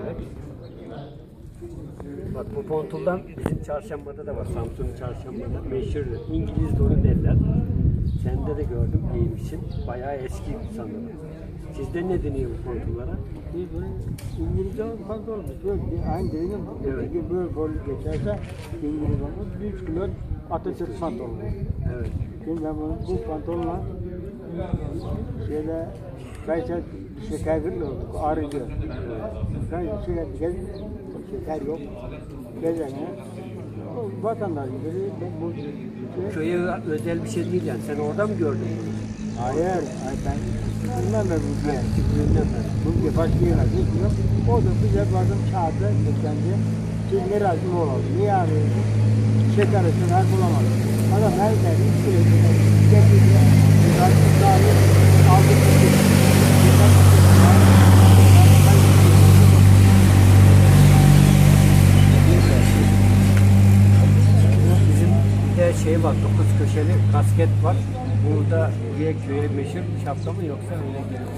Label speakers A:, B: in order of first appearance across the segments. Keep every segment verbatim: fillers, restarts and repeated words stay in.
A: Evet. Bak bu pontuldan bizim çarşambada da var. Samsun'un çarşambada meşhur İngiliz donu derler. Sende de gördüm giymişsin. Bayağı eski sanırım. Sizde ne deniyor bu pontullara?
B: Biz böyle İngilizce fazla olmuş. Böyle bir aynı değil mi?
A: Evet.
B: Böyle böyle geçerse İngiliz olmuş. Üç kilo Atatürk pantolonu.
A: Evet.
B: Şimdi ben bunu, bu pantolonla şeyde Kayseri şekerli olduk. Ağrıyor. Ben sürekli gez, şeker yok. Gezene. O vatandaş gibi bu şey,
A: Köye özel bir şey değil yani. Sen orada mı gördün bunu?
B: hayır, hayır ben bundan da bu diye.
A: Küçüklüğünden beri.
B: Bu diye başka yere gitmiyor. O da bize bazen çağırdı, seslendi. Siz ne razı olalım? Niye arıyorsun? Şeker için her bulamadım. Adam her şeyi istiyor. Getirdi. Razı sağlığı aldık.
A: Bizim bir de şey var, dokuz köşeli kasket var. Burada diye köye meşhur şapka mı yoksa öyle geliyor?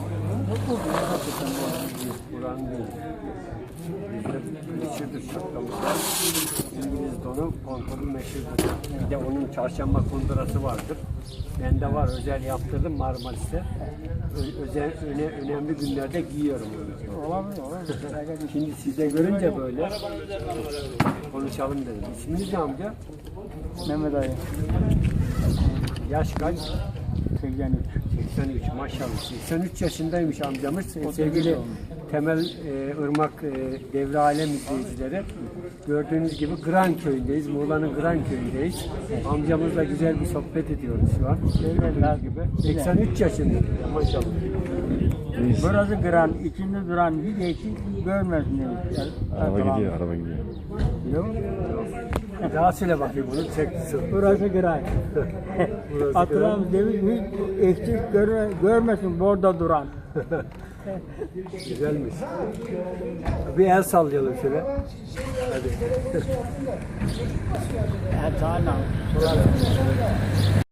A: Buranın değil. Bizde meşhurdur şapkamız var. İngiliz donu, kontolu meşhurdur. Bir de onun çarşamba kundurası vardır. Bende var, özel yaptırdım Marmaris'te. Ö- özel, öne, önemli günlerde giyiyorum onu.
B: Olabilir, olabilir.
A: Şimdi size görünce böyle konuşalım dedim. İsminiz ne amca?
B: Mehmet Ali,
A: Yaş kaç?
B: seksen üç.
A: seksen üç maşallah. seksen üç yaşındaymış amcamız. Sevgili Temel e, Irmak e, Devre Alem izleyicileri. Gördüğünüz gibi Gran köyündeyiz. Muğla'nın Gran köyündeyiz. Amcamızla güzel bir sohbet ediyoruz şu an. Gördüğünüz gibi. seksen üç yaşında. Maşallah.
B: Burası Gran, içinde duran bir değişik görmesin demiş.
C: Araba gidiyor, araba gidiyor.
B: Yok.
A: Daha söyle bakayım bunu. Çek.
B: Burası Gran.
A: Burası
B: Atılan demiş hiç eksik görme, görmesin burada duran.
A: Güzelmiş. Bir el sallayalım şöyle. Hadi.
B: Ertan'a.